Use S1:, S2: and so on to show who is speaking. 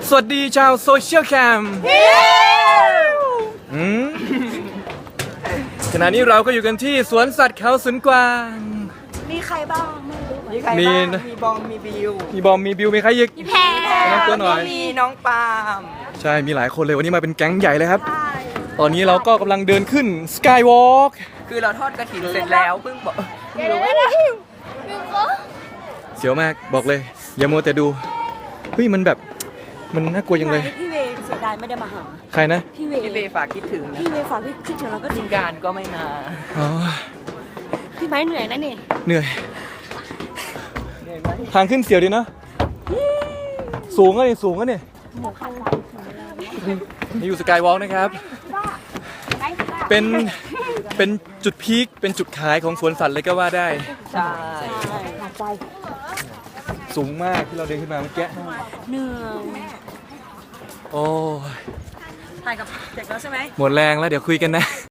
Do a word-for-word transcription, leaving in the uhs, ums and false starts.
S1: สวัสดีชาวโซเชียลแคมอืมขณะนี้เราก็อยู่กันที่สวนสัตว์เขาสวนกวาง
S2: มีใครบ้างไม่รู้
S3: มีใคร
S1: มี
S3: บ้าง
S1: นะ
S3: มีบอมมีบิว
S1: มีบอมมีบิวมีใครอีก
S2: มีแพร
S1: แนะนำตัวหน่อย
S3: มีน้องปาล์ม
S1: ใช่มีหลายคนเลยวันนี้มาเป็นแก๊งใหญ่เลยครับ ตอนนี้เราก็กำลังเดินขึ้นสกายวอล์ก
S3: คือเราทอดกระถิ่นเสร็จแล้วเพิ่งบอก
S2: เดี๋ยวเดี๋ยวเดี๋ยวเดี๋ยว
S1: เสียวมากบอกเลย อย่ามัวแต่ดูเฮ้ยมันแบบมันน่ากลัวยังเลย
S2: พี่เวย์เสียดายไม่ได้มาหา
S1: ใครนะ
S2: พี่เวย์
S3: พี่เบย์ฝากคิดถึงนะ
S2: พี่เวย์ฝากพี่คิดถึงเราก็
S3: ที
S2: ถึ
S3: ม
S2: ง
S3: การก็ไม่มา
S1: อ๋อ
S2: พี่ไม้เหนื่อยนะนี่
S1: เหนื่อย
S3: เหนื่อยไหม
S1: ทางขึ้นเสียวดีเนาะสูงก็นี่สูงก็นี่
S2: หมูคัน
S1: นี่อยู่สกายวอล์กนะครับ เป็นเป็นจุดพีคเป็นจุดขายของสวนสัตว์เลยก็ว่าได้
S3: ใช่
S2: ใช่หาใจ
S1: สูงมากที่เราเดินขึ้นมาเมื่อกี้
S2: เหนื่อย
S1: โอ้ย
S2: ถ่ายกับเด็กแล้วใช่ไหม
S1: หมดแรงแล้วเดี๋ยวคุยกันนะ